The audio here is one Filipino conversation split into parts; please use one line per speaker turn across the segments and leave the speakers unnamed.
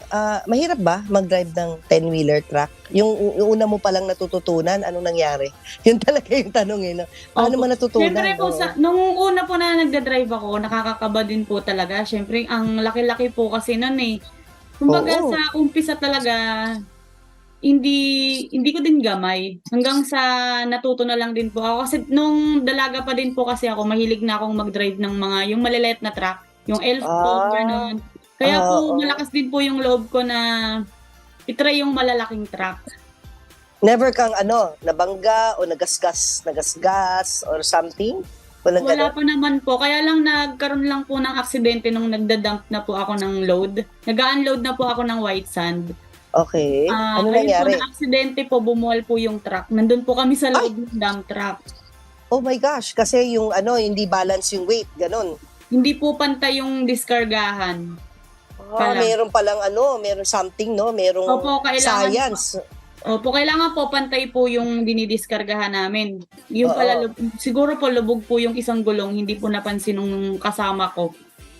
mahirap ba mag-drive ng 10-wheeler truck? Yung una mo palang natututunan, anong nangyari? Yun talaga yung tanong, eh, 'no? Paano mo
Opo.
natutunan?
Siyempre po
Oo.
nung una po na nagda-drive ako, nakakakaba din po talaga. Siyempre ang laki-laki po kasi nun, eh. Kumbaga
Oo.
sa umpisa talaga, hindi hindi ko din gamay. Hanggang sa natuto na lang din po ako. Kasi nung dalaga pa din po kasi ako, mahilig na akong mag-drive ng mga yung maliliit na truck, yung elf po,
Ah,
gano'n. Kaya po
oo.
malakas din po yung loob ko na i-try yung malalaking truck.
Never kang nabangga o nagasgas or something? Walang
Wala
gano'n?
pa naman po, kaya lang nagkaroon lang po ng aksidente nung nagda-dump na po ako ng load. Nag-a-unload na po ako ng white sand.
Okey. Ano
Ayun po
nangyari?
na-aksidente po, bumuwal po yung truck. Nandun po kami sa
Ay!
loob ng dump truck.
Oh my gosh, kasi yung hindi balance yung weight, gano'n?
Hindi po pantay yung diskargahan pala.
Meron something 'no, merong
Opo, kailangan po
science.
opo, kailangan po pantay po yung dinidiskargahan namin. Yung pala
Oo.
siguro po lubog po yung isang gulong, hindi po napansin nung kasama ko.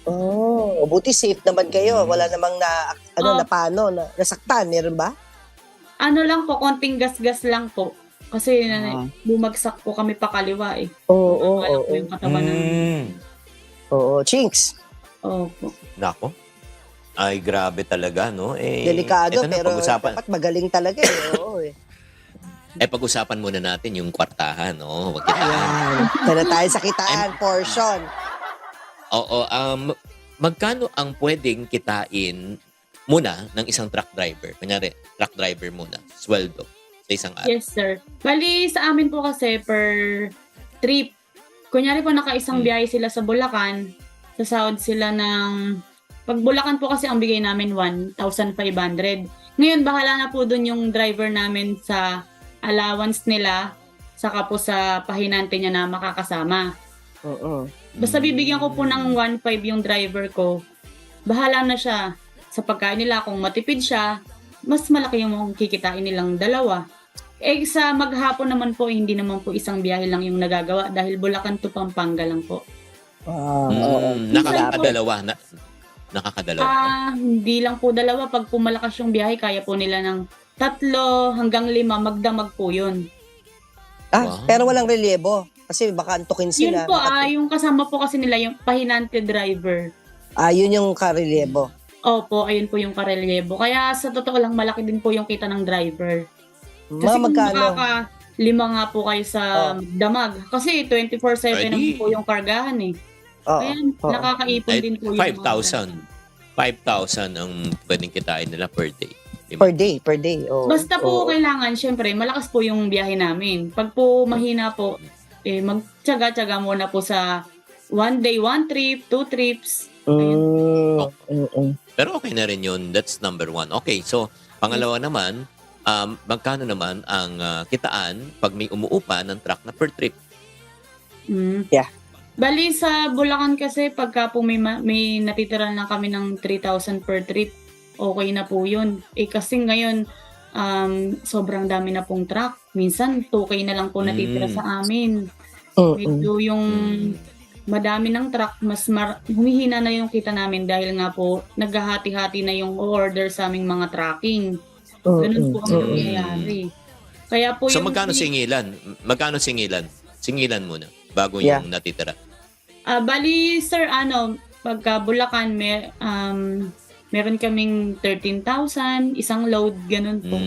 Oh, buti safe naman kayo, wala
Hmm.
namang
Op
nasaktan, meron ba?
Ano lang po, konting gasgas lang po. Kasi
Ah.
bumagsak po kami pakaliwa, eh.
Oo,
Tumama lang po
oo.
yung katawan namin.
Oo, Chinks,
Opo.
Naku, ay grabe talaga 'no.
delikado
Eto na
pero
pag-usapan
dapat magaling talaga, eh, oo, eh.
pag-usapan muna natin yung kwartahan 'no, wag kitaan.
Ayan, doon na tayo sa kitaan portion.
Oo, magkano ang puwedeng kitain muna ng isang truck driver? Kunyari, truck driver muna, sweldo sa isang araw.
Yes, sir. Bale sa amin po kasi per trip, kunyari po nakaisang biyahe sila sa Bulacan, sasahod sila ng 'pag Bulacan po kasi ang bigay namin 1,500. Ngayon bahala na po dun yung driver namin sa allowance nila, saka po sa pahinante niya na makakasama.
Oo.
Basta bibigyan ko po ng 1,500 yung driver ko, bahala na siya sa pagkain nila. Kung matipid siya, mas malaki yung kikitain nilang dalawa. Sa maghapon naman po, hindi naman po isang biyahe lang yung nagagawa dahil Bulacan to Pampanga lang po.
Oo.
Minsan po,
Nakakadalawa.
hindi lang po dalawa. 'Pag po malakas yung biyahe, kaya po nila ng 3 hanggang 5, magdamag po yun.
Wow.
Pero walang relyebo kasi baka antukin
Yun
sila.
po, yung kasama po kasi nila yung pahinante driver.
Yun yung karelyebo.
Opo, ayun po yung karelyebo. Kaya sa totoo lang, malaki din po yung kita ng driver. Kasi
Mga
kung
magkano?
makaka-5 nga po kayo sa damag, kasi 24/7 naman
Edi
po yung kargahan, eh.
Oo,
Kaya
oo.
nakakaipon din po yung
5,000. 5,000 ang puwedeng kitain nila per day, 'di ba?
Per day, oo.
Basta po
Oo.
kailangan siyempre malakas po yung biyahe namin. 'Pag po mahina po, magtiyaga-tiyaga muna po sa 1 day, 1 trip, 2 trips.
Pero okay na rin 'yun, that's number 1. Okay, so pangalawa naman, magkano naman ang kitaan 'pag may umuupa ng truck na per trip?
Yeah.
Bale sa Bulacan kasi pagka po may natitira na kami ng 3,000 per trip, okay na po yun. Kasi ngayon, sobrang dami na pong truck. Minsan 2K na lang po natitira sa amin. Medyo yung madami ng truck, mas humihina na yung kita namin dahil nga po naghahati-hati na yung order sa aming mga tracking. Ganun po ang nangyayari. Kaya po
So
yung
magkano singilan? Magkano singilan? Singilan muna bago
Yeah.
yung natitira.
Bali sir, pagka Bulacan meron kaming 13,000, isang load, ganun po.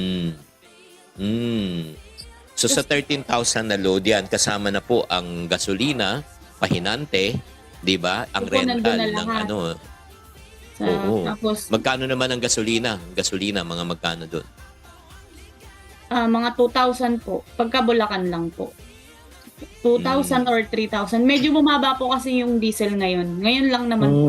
So sa 13,000 na load yan, kasama na po ang gasolina, pahinante, 'di ba? Ang
Opo, nandun
rental
na
ng
lahat.
Oo.
Tapos
Magkano naman ang gasolina? Gasolina, mga magkano doon?
mga 2,000 po, pagka Bulacan lang po. 2,000 or 3,000. Medyo bumaba po kasi yung diesel ngayon. Ngayon lang naman po.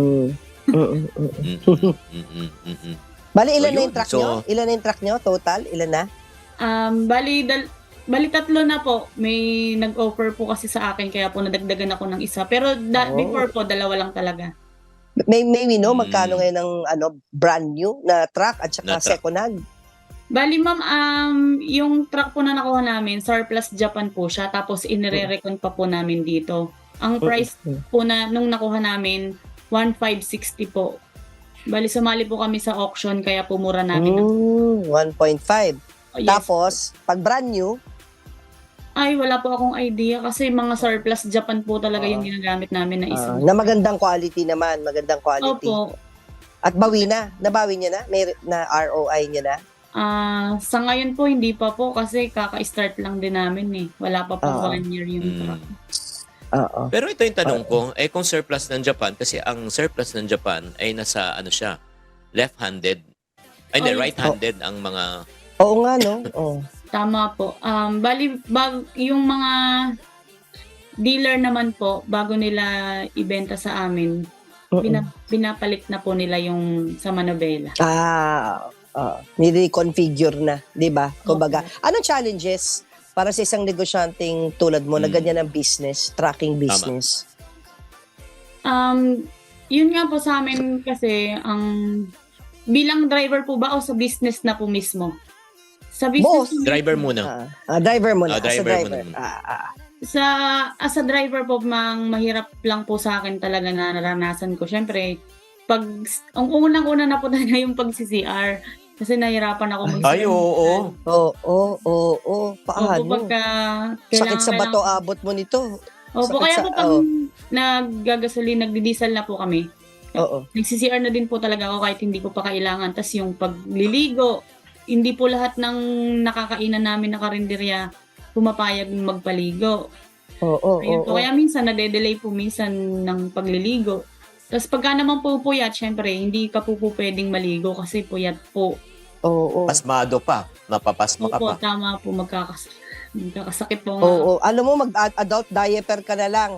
Bali,
So,
ilan na
yun.
yung truck
So-
nyo? Ilan na yung truck nyo? Total? Ilan na?
Bali 3 na po. May nag-offer po kasi sa akin kaya po nadagdagan ako ng isa. Pero before po, 2 lang talaga.
May magkano ngayon ng brand new na truck at saka
Na truck.
second hand?
Bali ma'am, yung truck po na nakuha namin, surplus Japan po siya. Tapos inire-recon pa po namin dito. Ang price po nung nakuha namin, 1,560 po. Bali sumali po kami sa auction kaya po mura namin.
1.5.
Oh, yes.
Tapos, pag brand new,
Ay, wala po akong idea kasi mga surplus Japan po talaga yung ginagamit namin na isa.
na magandang quality naman, magandang quality.
Opo.
At bawi na, nabawi niya na? May na ROI niya na?
Sa ngayon po hindi pa po kasi kaka-start lang din namin eh. Wala pa po 1 year yung truck.
Oo.
Pero ito yung tanong ko, kung surplus ng Japan, kasi ang surplus ng Japan ay nasa, siya, left-handed. Ay, hindi,
Oh, yes.
right-handed ang mga,
Oo nga, no? Oo.
Tama po. Bali, yung mga dealer naman po, bago nila ibenta sa amin, binapalit na po nila yung sa manobela.
Nire-configure na, di ba? Kumbaga, anong challenges para sa isang negosyanteng tulad mo na ganyan ang business, tracking business?
Yun nga po sa amin kasi, bilang driver po ba o sa business na po mismo? Sa business
Both.
driver muna.
Driver mo na. as a
Driver
driver.
muna.
As a driver po, mahirap lang po sa akin talaga na naranasan ko. Syempre, ang unang-una na po talaga yung pag-CCR. Kasi nahirapan ako mag-CCR.
Ay, oo.
Oo. Paano? Sakit sa bato abot mo nito.
Opo,
Sakit
kaya
sa-
po pag nagdidiesel na po kami,
Oo.
nag-CCR na din po talaga ako kahit hindi ko pa kailangan. Tas yung pagliligo, hindi po lahat ng nakakainan namin na karinderya pumapayag magpaligo. Ayun po. Kaya minsan nade-delay po minsan ng pagliligo. Tapos pagka naman po puyat, syempre, hindi ka po pwedeng maligo kasi puyat po.
Oo.
Pasmado pa. Napapasma ka
Opo,
pa.
tama po, magkakasakit po nga.
Oo. Alam mo, mag-adult diaper ka na lang.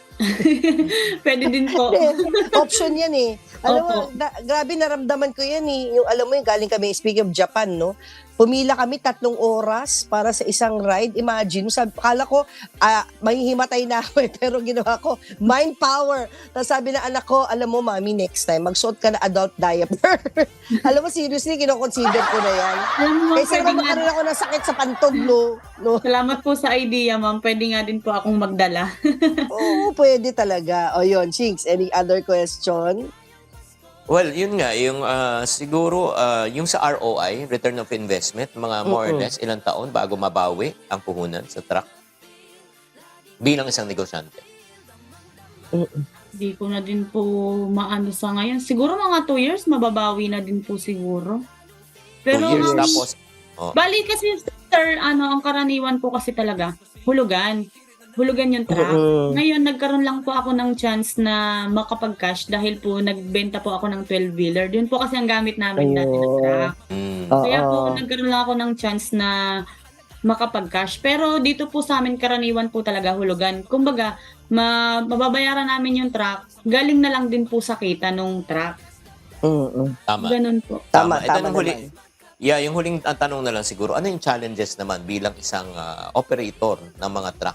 Pwede din po.
Option yan eh. Alam mo,
Opo.
grabe naramdaman ko yan eh. Yung, alam mo yung galing kami, speaking of Japan, no? Pumila kami 3 oras para sa isang ride. Imagine, kala ko, mahihimatay na ako eh. Pero ginawa ko, mind power. Tapos sabi na anak ko, alam mo mami, next time, magsuot ka na adult diaper. Alam mo, seriously, kinoconsider ko na yan.
Alam mo,
Kaysa
pwede
naman
nga,
makaroon ako ng sakit sa pantog, no?
salamat po sa idea, ma'am. Pwede nga din po akong magdala.
Oo, pwede talaga. O yun, Chinks, any other question?
Well, yun nga, yung siguro, yung sa ROI, return of investment, mga more or less, ilang taon bago mabawi ang puhunan sa truck bilang isang negosyante.
Hindi ko na din po maano sa ngayon. Siguro mga 2 years, mababawi na din po siguro.
2 years,
ma'am,
tapos,
bali kasi, sir, ang karaniwan po kasi talaga, hulugan yung truck. Ngayon, nagkaroon lang po ako ng chance na makapag-cash dahil po nagbenta po ako ng 12-wheeler. Yun po kasi ang gamit namin dati na truck. Kaya po, nagkaroon lang ako ng chance na makapag-cash. Pero dito po sa amin, karaniwan po talaga hulugan. Kumbaga, mababayaran namin yung truck, galing na lang din po sa kita nung truck.
Tama.
Ganun po.
Tama
Ito nung
naman.
yung huling tanong na lang siguro, ano yung challenges naman bilang isang operator ng mga truck?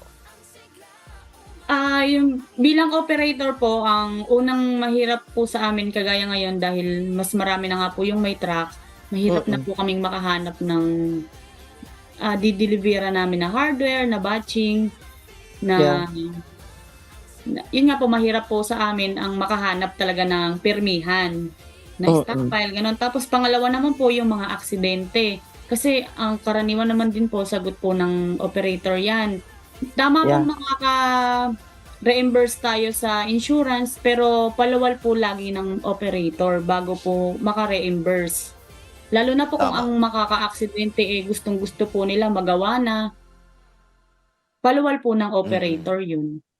Yung bilang operator po, ang unang mahirap po sa amin kagaya ngayon dahil mas marami na nga po yung may truck, mahirap na po kaming makahanap ng didelivera namin na hardware, na batching, yun nga po, mahirap po sa amin ang makahanap talaga ng permihan na stockpile, ganun. Tapos pangalawa naman po yung mga aksidente. Kasi ang karaniwan naman din po, sagot po ng operator yan. Tama po makaka-reimburse tayo sa insurance, pero palawal po lagi ng operator bago po maka-reimburse. Lalo na po kung ang makaka-aksidente gustong-gusto po nila magawa na, palawal po ng operator yun.